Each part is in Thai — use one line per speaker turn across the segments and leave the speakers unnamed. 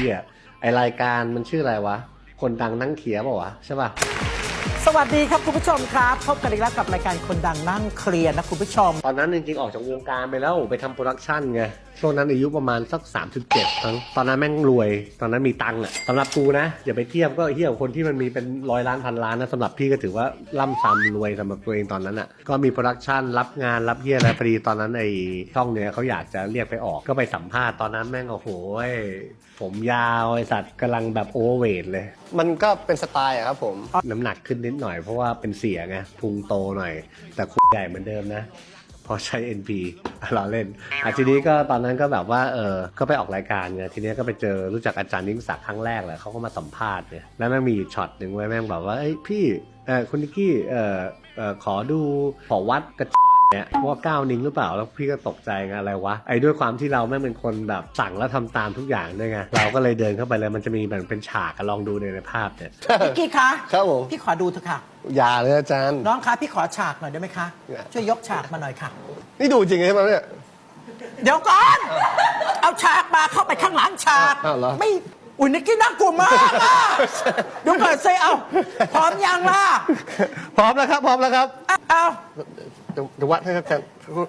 หี้ยไอรายการมันชื่ออะไรวะคนดังนั่งเขียบอกวะใช่ป่ะ
สวัสดีครับคุณผู้ชมครับพบกันอีกแล้วกับรายการคนดังนั่งเคลียร์นะคุณผู้ชม
ตอนนั้นจริงๆออกจากวงการไปแล้วไปทำโปรดักชันไงช่วงนั้นอายุประมาณสัก37ครั้งตอนนั้นแม่งรวยตอนนั้นมีตังค์อ่ะสำหรับกูนะอย่าไปเทียบก็เทียบคนที่มันมีเป็น100 ล้านพันล้านนะสำหรับพี่ก็ถือว่าล่ำซ้ำรวยสำหรับตัวเองตอนนั้นอ่ะก็มีโปรดักชันรับงานรับเยี่ยอะไรพอดีตอนนั้นไอ้ช่องเนี้ยเขาอยากจะเรียกไปออกก็ไปสัมภาษณ์ตอนนั้นแม่งโอ้โหผมยาวไอสัตว์กำลังแบบโอเวอร์เวทเลย
มันก็เป็นสไตล์อะครับผม
น้ำหนักขึ้นนิดหน่อยเพราะว่าเป็นเสียไงพุงโตหน่อยแต่คุใหญ่เหมือนเดิมนะพอใช้ NP เราเล่นทีนี้ก็ตอนนั้นก็แบบว่าก็ไปออกรายการไงทีนี้ก็ไปเจอรู้จักอาจารย์ยิ่งศักดิ์ครั้งแรกแหละเขาก็มาสัมภาษณ์เนี่ยแล้วแม่งมีช็อตหนึ่งไว้แม่งบอกว่าเอ้ยพี่คุณนิกกี้ขอดูขอวัดกระเนี่ยว่า9 นิ้วหรือเปล่าแล้วพี่ก็ตกใจไงอะไรวะไอ้ด้วยความที่เราแม่งเป็นคนแบบสั่งแล้วทำตามทุกอย่างด้วยไงเราก็เลยเดินเข้าไปเลยมันจะมีแบบเป็นฉากลองดูในภาพเนี่ย
นิกกี้คะ
ครับผม
พี่ขอดูเถอะค่ะ
อย่าเลยอาจารย์
น้องคะพี่ขอฉากหน่อยได้ไหมคะช่วยยกฉากมาหน่อยค่ะ
นี่ดูจริงใช่ไหมเนี่ย
เดี๋ยวก่อนเอาฉากมาเข้าไปข้างหลังฉาก
อ้าวเหรอ
ไม่อุ้ยนิกกี้น่ากลัวมากอะเดี๋ยวเปิดเซเอาพร้อมยังล่ะ
พร้อมแล้วครับพร้อมแล้วครับ
เอา
เดี๋ยววัดให้ครับอาจารย์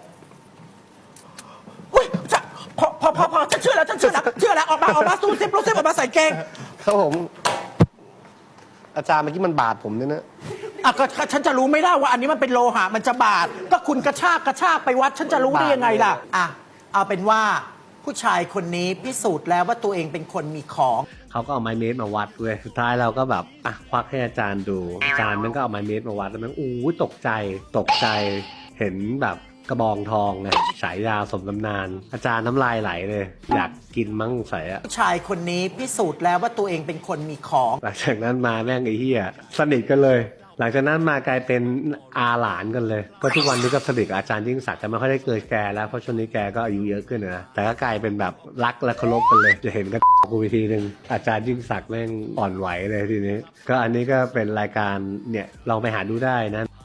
อุ้ยพอฉันเชื่อแล้วออกมาสู้ซิปรู้ซิปออกมาใส่เกง
ครับผมอาจารย์เมื่อกี้มันบาดผมเนี่ยนะ
อ่ะก็ฉันจะรู้ไม่ได้ว่าอันนี้มันเป็นโลหะมันจะบาดก็คุณกระชากไปวัดฉันจะรู้ได้ยังไงล่ะอ่ะเอาเป็นว่าผู้ชายคนนี้พิสูจน์แล้วว่าตัวเองเป็นคนมีของ
เขาก็เอาไม้เมตรมาวัดเว้ยสุดท้ายเราก็แบบควักให้อาจารย์ดูอาจารย์มันก็เอาไม้เมตรมาวัดแล้วมันตกใจเห็นแบบกระบองทองไงฉายยาวสมตำนานอาจารย์น้ำลายไหลเลยอยากกินมั้งใส่อะ
ผู้ชายคนนี้พิสูจน์แล้วว่าตัวเองเป็นคนมีของ
หลังจากนั้นมาแม่งไอ้เหี้ยสนิทกันเลยหลังจากนั้นมากลายเป็นอาหลานกันเลยก็ทุกวันนี้ก็สนิทกับอาจารย์ยิ่งศักดิ์จะไม่ค่อยได้เกิดแกแล้วเพราะช่วงนี้แกก็อายุเยอะขึ้นนะแต่ก็กลายเป็นแบบรักและเคารพกันเลยจะเห็นก็กูวิธีหนึ่งอาจารย์ยิ่งศักดิ์แม่งอ่อนไหวเลยทีนี้ก็อันนี้ก็เป็นรายการเนี่ยลองไปหาดูได้นะ